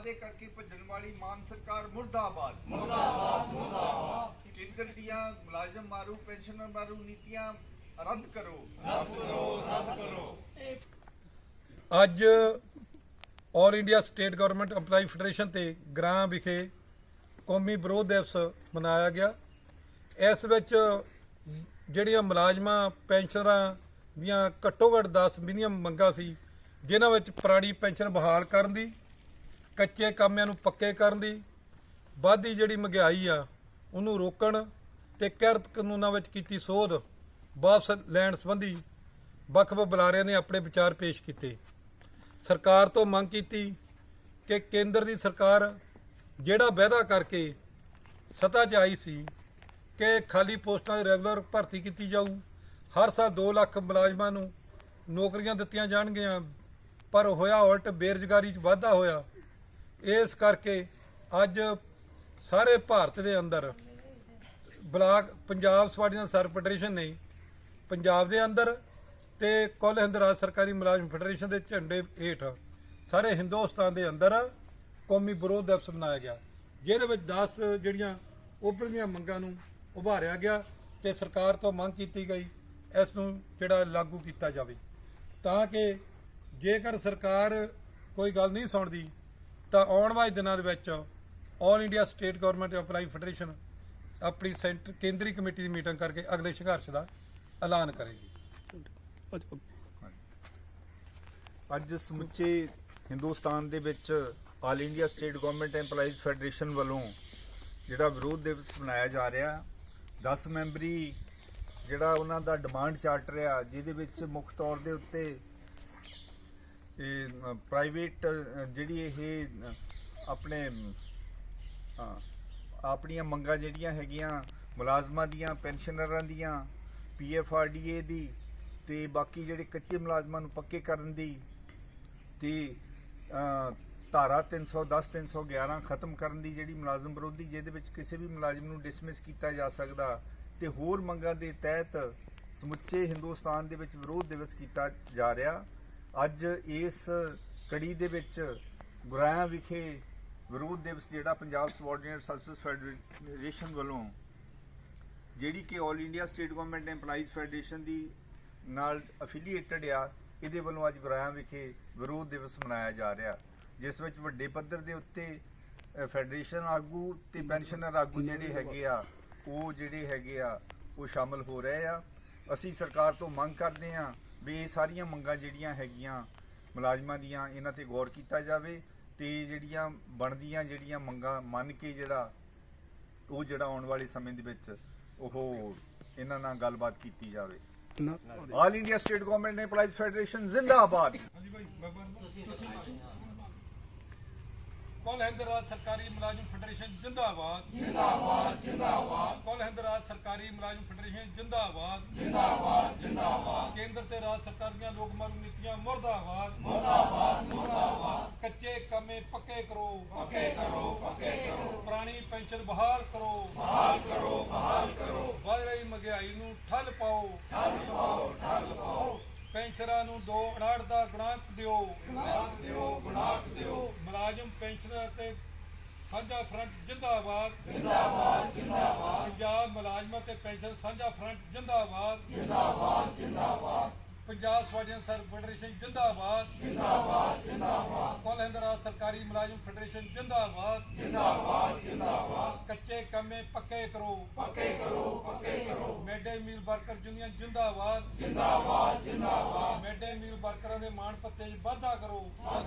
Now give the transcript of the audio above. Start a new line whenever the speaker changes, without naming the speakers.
वादे करके भजन वाली मान सरकार मुर्दाबाद मुर्दाबाद मुर्दाबाद। केंद्र दियां मुलाजम मारू पेंशनर मारू नीतियां रद्द करो रद्द करो रद्द करो।
ਅੱਜ all India state government EMPLOYEE federation ਤੇ ਗ੍ਰਾਂ ਵਿਖੇ ਕੌਮੀ ਵਿਰੋਧ ਦਿਵਸ ਮਨਾਇਆ ਗਿਆ। ਇਸ ਵਿੱਚ ਜਿਹੜੀਆਂ ਮੁਲਾਜ਼ਮਾਂ ਪੈਨਸ਼ਨਰਾਂ ਦੀਆਂ ਘੱਟੋ ਘੱਟ 10 ਮਿਨੀਮਮ ਮੰਗਾਂ ਸੀ, ਜਿਨ੍ਹਾਂ ਵਿੱਚ ਪੁਰਾਣੀ ਪੈਨਸ਼ਨ ਬਹਾਲ ਕਰਨ ਦੀ, ਕੱਚੇ ਕਾਮਿਆਂ ਨੂੰ ਪੱਕੇ ਕਰਨ ਦੀ, ਵੱਧਦੀ ਜਿਹੜੀ ਮਹਿੰਗਾਈ ਆ ਉਹਨੂੰ ਰੋਕਣ ਤੇ ਕਿਰਤ ਕਾਨੂੰਨਾਂ ਵਿੱਚ ਕੀਤੀ ਸੋਧ ਵਾਪਸ ਲੈਣ ਸੰਬੰਧੀ ਵੱਖ-ਵੱਖ ਬੁਲਾਰਿਆਂ ਨੇ ਆਪਣੇ ਵਿਚਾਰ ਪੇਸ਼ ਕੀਤੇ। ਸਰਕਾਰ ਤੋਂ ਮੰਗ ਕੀਤੀ ਕਿ ਕੇਂਦਰ ਦੀ ਸਰਕਾਰ ਜਿਹੜਾ ਵਾਅਦਾ ਕਰਕੇ ਸੱਤਾ 'ਚ ਆਈ ਸੀ ਕਿ ਖਾਲੀ ਪੋਸਟਾਂ ਦੀ ਰੈਗੂਲਰ ਭਰਤੀ ਕੀਤੀ ਜਾਊ, ਹਰ ਸਾਲ 2 ਲੱਖ ਮੁਲਾਜ਼ਮਾਂ ਨੂੰ ਨੌਕਰੀਆਂ ਦਿੱਤੀਆਂ ਜਾਣਗੀਆਂ, ਪਰ ਹੋਇਆ ਉਲਟ, ਬੇਰੁਜ਼ਗਾਰੀ 'ਚ ਵਾਧਾ ਹੋਇਆ। ਇਸ ਕਰਕੇ ਅੱਜ ਸਾਰੇ ਭਾਰਤ ਦੇ ਅੰਦਰ ਬਲਾਕ ਪੰਜਾਬ ਸਵਾਡੀਆਂ ਸਰ ਫੈਡਰੇਸ਼ਨ ਨੇ ਪੰਜਾਬ ਦੇ ਅੰਦਰ ਤੇ ਕੁੱਲ ਹਿੰਦ ਰਾਜ ਸਰਕਾਰੀ ਮੁਲਾਜ਼ਮ ਫੈਡਰੇਸ਼ਨ ਦੇ ਝੰਡੇ ਹੇਠ ਸਾਰੇ ਹਿੰਦੁਸਤਾਨ ਦੇ ਅੰਦਰ ਕੌਮੀ ਵਿਰੋਧ ਦਿਵਸ ਮਨਾਇਆ ਗਿਆ, ਜਿਹਦੇ ਵਿੱਚ 10 ਜਿਹੜੀਆਂ ਉੱਭਰਦੀਆਂ ਮੰਗਾਂ ਨੂੰ ਉਭਾਰਿਆ ਗਿਆ ਤੇ ਸਰਕਾਰ ਤੋਂ ਮੰਗ ਕੀਤੀ ਗਈ ਇਸ ਨੂੰ ਜਿਹੜਾ ਲਾਗੂ ਕੀਤਾ ਜਾਵੇ, ਤਾਂ ਕਿ ਜੇਕਰ ਸਰਕਾਰ ਕੋਈ ਗੱਲ ਨਹੀਂ ਸੁਣਦੀ ਤਾਂ ਆਉਣ ਵਾਲੇ ਦਿਨਾਂ ਦੇ ਵਿੱਚ all India state government EMPLOYEE federation ਆਪਣੀ ਕੇਂਦਰੀ ਕਮੇਟੀ ਦੀ ਮੀਟਿੰਗ ਕਰਕੇ ਅਗਲੇ ਸੰਘਰਸ਼ ਦਾ ਐਲਾਨ ਕਰੇਗੀ।
ਅੱਜ ਸਮੁੱਚੇ ਹਿੰਦੁਸਤਾਨ ਦੇ ਵਿੱਚ all India state government EMPLOYEES federation ਵੱਲੋਂ ਜਿਹੜਾ ਵਿਰੋਧ ਦਿਵਸ ਮਨਾਇਆ ਜਾ ਰਿਹਾ, 10 ਮੈਂਬਰੀ ਜਿਹੜਾ ਉਹਨਾਂ ਦਾ ਡਿਮਾਂਡ ਚਾਰਟਰ ਆ, ਜਿਹਦੇ ਵਿੱਚ ਮੁੱਖ ਤੌਰ ਦੇ ਉੱਤੇ ਇਹ ਪ੍ਰਾਈਵੇਟ ਜਿਹੜੀ ਇਹ ਆਪਣੇ ਆਪਣੀਆਂ ਮੰਗਾਂ ਜਿਹੜੀਆਂ ਹੈਗੀਆਂ ਮੁਲਾਜ਼ਮਾਂ ਦੀਆਂ, ਪੈਨਸ਼ਨਰਾਂ ਦੀਆਂ, PFRDA ਦੀ ਤੇ ਬਾਕੀ ਜਿਹੜੇ ਕੱਚੇ ਮੁਲਾਜ਼ਮਾਂ ਨੂੰ ਪੱਕੇ ਕਰਨ ਦੀ ਤੇ ਧਾਰਾ 310 311 ਖਤਮ ਕਰਨ ਦੀ, ਜਿਹੜੀ ਮੁਲਾਜ਼ਮ ਵਿਰੋਧੀ, ਜਿਹਦੇ ਵਿੱਚ ਕਿਸੇ ਵੀ ਮੁਲਾਜ਼ਮ ਨੂੰ ਡਿਸਮਿਸ ਕੀਤਾ ਜਾ ਸਕਦਾ, ਤੇ ਹੋਰ ਮੰਗਾਂ ਦੇ ਤਹਿਤ ਸਮੁੱਚੇ ਹਿੰਦੁਸਤਾਨ ਦੇ ਵਿੱਚ ਵਿਰੋਧ ਦਿਵਸ ਕੀਤਾ ਜਾ ਰਿਹਾ। ਅੱਜ ਇਸ ਕੜੀ ਦੇ ਵਿੱਚ ਗੁਰਾਇਆ ਵਿਖੇ ਵਿਰੋਧ ਦਿਵਸ ਜਿਹੜਾ ਪੰਜਾਬ ਸਬਆਰਡੀਨੇਟ ਸਰਵਿਸ ਫੈਡਰੇਸ਼ਨ ਵੱਲੋਂ, ਜਿਹੜੀ ਕਿ all India state government EMPLOYEES federation ਦੀ ਨਾਲ ਅਫੀਲੀਏਟਡ ਆ, ਇਹਦੇ ਵੱਲੋਂ ਅੱਜ ਗੁਰਾਇਆ ਵਿਖੇ ਵਿਰੋਧ ਦਿਵਸ ਮਨਾਇਆ ਜਾ ਰਿਹਾ, ਜਿਸ ਵਿੱਚ ਵੱਡੇ ਪੱਧਰ ਦੇ ਉੱਤੇ ਫੈਡਰੇਸ਼ਨ ਆਗੂ ਤੇ ਪੈਨਸ਼ਨਰ ਆਗੂ ਜਿਹੜੇ ਹੈਗੇ ਆ ਉਹ ਸ਼ਾਮਲ ਹੋ ਰਹੇ ਆ। ਅਸੀਂ ਸਰਕਾਰ ਤੋਂ ਮੰਗ ਕਰਦੇ ਆ ਵੀ ਇਹ ਸਾਰੀਆਂ ਮੰਗਾਂ ਜਿਹੜੀਆਂ ਹੈਗੀਆਂ ਮੁਲਾਜ਼ਮਾਂ ਦੀਆਂ, ਇਹਨਾਂ ਤੇ ਗੌਰ ਕੀਤਾ ਜਾਵੇ ਤੇ ਜਿਹੜੀਆਂ ਬਣਦੀਆਂ ਜਿਹੜੀਆਂ ਮੰਗਾਂ ਮੰਨ ਕੇ ਜਿਹੜਾ ਆਉਣ ਵਾਲੇ ਸਮੇਂ ਦੇ ਵਿੱਚ ਉਹ ਇਹਨਾਂ ਨਾਲ ਗੱਲਬਾਤ ਕੀਤੀ ਜਾਵੇ। All India state government EMPLOYEES federation ਜ਼ਿੰਦਾਬਾਦ।
ਕੁੱਲ ਹਿੰਦ ਰਾਜ ਸਰਕਾਰੀ ਮੁਲਾਜ਼ਮ ਫੈਡਰੇਸ਼ਨ ਜਿੰਦਾਬਾਦ ਜਿੰਦਾਬਾਦ ਜਿੰਦਾਬਾਦ। ਕੁੱਲ ਹਿੰਦ ਰਾਜ ਸਰਕਾਰੀ ਮੁਲਾਜ਼ਮ ਫੈਡਰੇਸ਼ਨ ਜਿੰਦਾਬਾਦ ਜਿੰਦਾਬਾਦ ਜਿੰਦਾਬਾਦ। ਕੇਂਦਰ ਤੇ ਰਾਜ ਸਰਕਾਰ ਦੀਆਂ ਲੋਕ ਮਾਰੂ ਨੀਤੀਆਂ ਮੁਰਦਾਬਾਦ ਮੁਰਦਾਬਾਦ ਮੁਰਦਾਬਾਦ। ਕੱਚੇ ਕਾਮੇ ਪੱਕੇ ਕਰੋ ਪੱਕੇ ਕਰੋ ਪੱਕੇ ਕਰੋ। ਪੁਰਾਣੀ ਪੈਨਸ਼ਨ ਬਹਾਲ ਕਰੋ ਬਹਾਲ ਕਰੋ ਬਹਾਲ ਕਰੋ। ਵਧ ਰਹੀ ਮਹਿੰਗਾਈ ਨੂੰ ਠੱਲ ਪਾਓ ਠੱਲ ਪਾਓ ਠੱਲ ਪਾਓ। ਪੈਨਸ਼ਨਰਾਂ ਨੂੰ 2.68 ਦਾ ਗੁਣਾਂਕ ਦਿਓ ਗੁਣਾਂਕ ਦਿਓ ਗੁਣਾਂਕ ਦਿਓ। ਮੁਲਾਜ਼ਮ ਪੈਨਸ਼ਨਰ ਅਤੇ ਸਾਂਝਾ ਫਰੰਟ ਜਿੰਦਾਬਾਦ ਜਿੰਦਾਬਾਦ ਜਿੰਦਾਬਾਦ। ਪੰਜਾਬ ਮੁਲਾਜ਼ਮਾਂ ਤੇ ਪੈਨਸ਼ਨ ਸਾਂਝਾ ਫਰੰਟ ਜਿੰਦਾਬਾਦ ਜਿੰਦਾਬਾਦ ਜਿੰਦਾਬਾਦ। ਪੰਜਾਬ ਸਵਾਡੀਆਂ ਸਰ ਫੈਡਰੇਸ਼ਨ ਜਿੰਦਾਬਾਦ ਜਿੰਦਾਬਾਦ ਜਿੰਦਾਬਾਦ। ਕੁੱਲ ਹਿੰਦ ਰਾਜ ਸਰਕਾਰੀ ਮੁਲਾਜ਼ਮ ਫੈਡਰੇਸ਼ਨ ਜਿੰਦਾਬਾਦ ਜਿੰਦਾਬਾਦ ਜਿੰਦਾਬਾਦ। ਕੱਚੇ ਕਾਮੇ ਪੱਕੇ ਕਰੋ ਪੱਕੇ ਕਰੋ ਪੱਕੇ ਕਰੋ। Mid day meal worker union ਜਿੰਦਾਬਾਦ ਜਿੰਦਾਬਾਦ ਜਿੰਦਾਬਾਦ। ਮਿਡ ਡੇ ਮੀਲ ਵਰਕਰਾਂ ਦੇ ਮਾਣ ਭੱਤੇ 'ਚ ਵਾਧਾ ਕਰੋ